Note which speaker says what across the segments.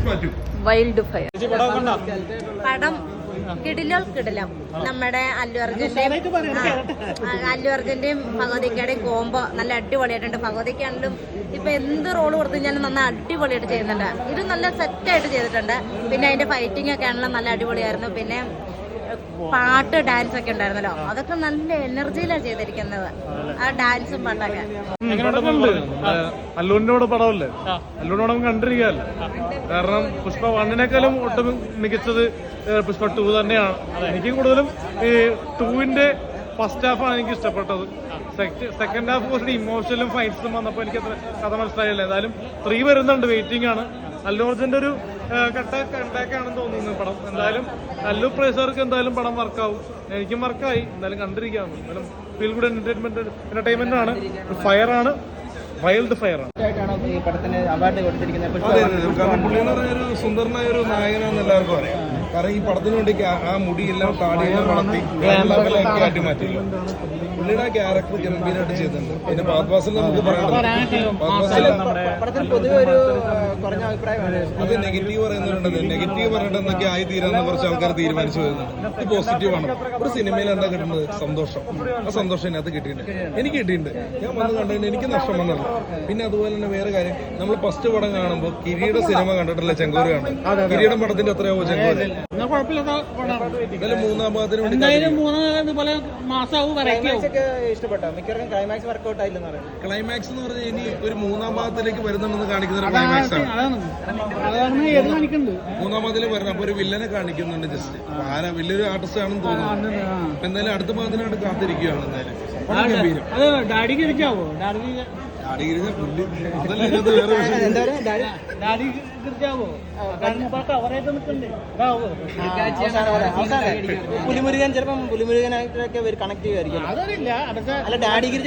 Speaker 1: Wild fire പടം കിടിലം നമ്മുടെ അല്ലു അർജുന്റെയും ഭഗവതിക്കയുടെയും കോംബോ നല്ല അടിപൊളിയായിട്ടുണ്ട്. ഭഗവതിക്കാണെങ്കിലും ഇപ്പൊ എന്ത് റോള് കൊടുത്തു കഴിഞ്ഞാലും നന്നായി അടിപൊളിയായിട്ട് ചെയ്യുന്നുണ്ട്. ഇത് നല്ല സെറ്റായിട്ട് ചെയ്തിട്ടുണ്ട്. പിന്നെ അതിന്റെ ഫൈറ്റിംഗ് ഒക്കെ ആണെങ്കിലും നല്ല അടിപൊളിയായിരുന്നു. പിന്നെ പാട്ട് ഡാൻസ് ഒക്കെ ഉണ്ടായിരുന്നല്ലോ, അതൊക്കെ നല്ല എനർജിയിലാണ് ചെയ്തിരിക്കുന്നത്. ആ ഡാൻസും പാട്ടൊക്കെ
Speaker 2: അല്ലൂരിന്റെ പടമല്ലേ, അല്ലൂരിന്റെ പടം കണ്ടിരിക്കുകയല്ലേ. കാരണം പുഷ്പ 1-നേക്കാളും ഒട്ടും മികച്ചത് പുഷ്പ 2 തന്നെയാണ്. എനിക്ക് കൂടുതലും ഈ 2-ന്റെ ഫസ്റ്റ് ഹാഫാണ് എനിക്ക് ഇഷ്ടപ്പെട്ടത്. സെക്കൻഡ് ഹാഫ് കുറച്ച് ഇമോഷണലും ഫൈറ്റ്സും വന്നപ്പോൾ എനിക്ക് അത്ര കഥ മനസ്സിലായില്ല. എന്തായാലും 3 വരുന്നുണ്ട്, വെയിറ്റിംഗ് ആണ്. അല്ലു അർജുന്റെ ഒരു കണ്ടാക്കാണെന്ന് തോന്നുന്നു പടം. എന്തായാലും അല്ലു പ്രേക്ഷകർക്ക് എന്തായാലും പടം വർക്കാവും. എനിക്കും വർക്കായി. എന്തായാലും കണ്ടിരിക്കാവുന്നു. എന്തായാലും ഫീൽ ഗുഡ് എന്റർടൈൻമെന്റ് ആണ്. ഫയറാണ്, വൈൽഡ് ഫയറാണ്.
Speaker 3: കാരണം പുള്ളി എന്ന് പറഞ്ഞൊരു സുന്ദരനായ ഒരു നായകനാണെന്ന് എല്ലാവർക്കും അറിയാം. കാരണം ഈ പടത്തിന് വേണ്ടി ആ മുടിയെല്ലാം താടിയെല്ലാം വളർത്തി ആറ്റി മാറ്റില്ല. പുള്ളിയുടെ ആ ക്യാരക്ടർ ഗംഭീരമായിട്ട് ചെയ്തിട്ടുണ്ട്. പിന്നെ പാത്വാസിൽ നമുക്ക് അത് നെഗറ്റീവ് പറയുന്നവരുണ്ട്. നെഗറ്റീവ് പറഞ്ഞിട്ട് എന്തൊക്കെ ആയി തീരാന്ന് കുറച്ച് ആൾക്കാർ തീരുമാനിച്ചു വരുന്നുണ്ട്. ഇത് പോസിറ്റീവാണ്. ഒരു സിനിമയിൽ എന്താ കിട്ടുന്നത്? സന്തോഷം. ആ സന്തോഷം ഇതിനകത്ത് കിട്ടിയിട്ടുണ്ട്. എനിക്ക് കിട്ടിയിട്ടുണ്ട്. ഞാൻ വന്ന് കണ്ടതിന് എനിക്ക് നഷ്ടം വന്നില്ല. പിന്നെ അതുപോലെ തന്നെ വേറെ കാര്യം, നമ്മൾ ഫസ്റ്റ് പടം കാണുമ്പോൾ കിരീട സിനിമ കണ്ടിട്ടില്ല, ചെങ്കോര് കാണുന്നത്. കിരീടം പടത്തിന്റെ എത്രയാവോ ചെങ്കോര്? എന്നാലും മൂന്നാം ഭാഗത്തിന് വേണ്ടി ഇഷ്ടപ്പെട്ടോ? മിക്കവർക്കും ക്ലൈമാക്സ് വർക്ക്ഔട്ട് ആയില്ലെന്ന് പറയും. ക്ലൈമാക്സ് എന്ന് പറഞ്ഞാൽ ഇനി ഒരു മൂന്നാം ഭാഗത്തുലേക്ക് വരുന്നുണ്ടെന്ന് കാണിക്കുന്ന ഒരു ക്ലൈമാക്സ് ആണ്. മൂന്നാം ഭാഗത്തിൽ വരുന്നത്. അപ്പൊ ഒരു വില്ലനെ കാണിക്കുന്നുണ്ട്. ജസ്റ്റ് ആരാ വലിയൊരു ആർട്ടിസ്റ്റ് ആണെന്ന് തോന്നുന്നു. എന്തായാലും അടുത്ത ഭാഗത്തിനായിട്ട് കാത്തിരിക്കുകയാണ്. എന്തായാലും പുലിമുരുകൻ ചിലപ്പം പുലിമുരുകനായിട്ടൊക്കെ കണക്ട് ചെയ്യുമായിരിക്കും. അല്ല ഡാഡി ഗിരിജ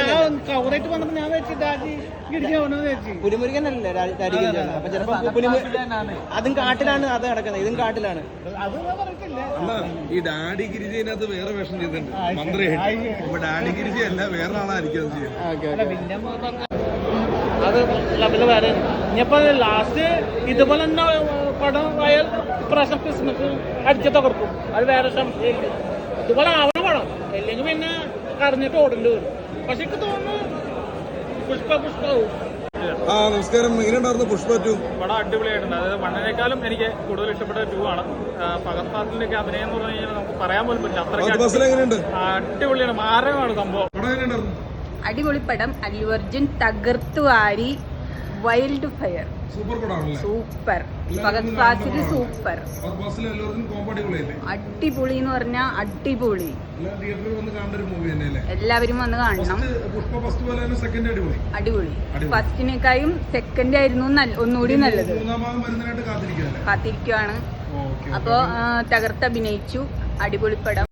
Speaker 3: പുലിമുരുകൻ അല്ലേ ഡാഡി ഗിരിജ. അപ്പൊ ചിലപ്പോ അതും കാട്ടിലാണ് അത് നടക്കുന്നത്, ഇതും കാട്ടിലാണ്. അല്ല ഈ ഡാഡി ഗിരിജനകത്ത് വേറെ വേഷം ചെയ്തിട്ടുണ്ട്, മന്ത്രിയായിട്ട്. അപ്പൊ ഡാഡി ഗിരിജ അല്ല, വേറെ ആളായിരിക്കും അത് ചെയ്യുന്നത്.
Speaker 4: അത് ലെവല് വേറെ. ഇനിയിപ്പോ ലാസ്റ്റ് ഇതുപോലെ തന്നെ പടം ആയാൽ ഇപ്രാവശ്യം ക്രിസ്മസ് അടിച്ചു തകർക്കും. അത് വേറെ സംശയമില്ല. ഇതുപോലെ ആവണ പടം, അല്ലെങ്കിൽ പിന്നെ കറിഞ്ഞിട്ട് ഓടേണ്ടി വരും. പക്ഷെ എനിക്ക് തോന്നുന്നു പുഷ്പവും.
Speaker 3: നമസ്കാരം. എങ്ങനെയുണ്ടായിരുന്നു പുഷ്പ 2?
Speaker 2: പടം അടിപൊളിയായിട്ടുണ്ട്. അതായത് 1-നേക്കാളും എനിക്ക് കൂടുതൽ ഇഷ്ടപ്പെട്ട 2 ആണ്. ഫഹദ് ഫാസിലിന്റെ ഒക്കെ അഭിനയം എന്ന് പറഞ്ഞു കഴിഞ്ഞാൽ നമുക്ക് പറയാൻ പോലും പറ്റില്ല. അടിപൊളിയാണ്, മാരകമാണ് സംഭവം.
Speaker 1: അടിപൊളി പടം. അല്ലു അർജുൻ തകർത്തു വാരി. Wild fire super. Fahadh Faasil super. അടിപൊളി എന്ന് പറഞ്ഞാൽ അടിപൊളി. എല്ലാവരും വന്ന് കാണണം. അടിപൊളി. ഫസ്റ്റിനേക്കാളും സെക്കൻഡ് ആയിരുന്നു ഒന്നുകൂടി നല്ലത്. കാത്തിരിക്കുവാണ്. അപ്പോ തകർത്ത് അഭിനയിച്ചു. അടിപൊളി പടം.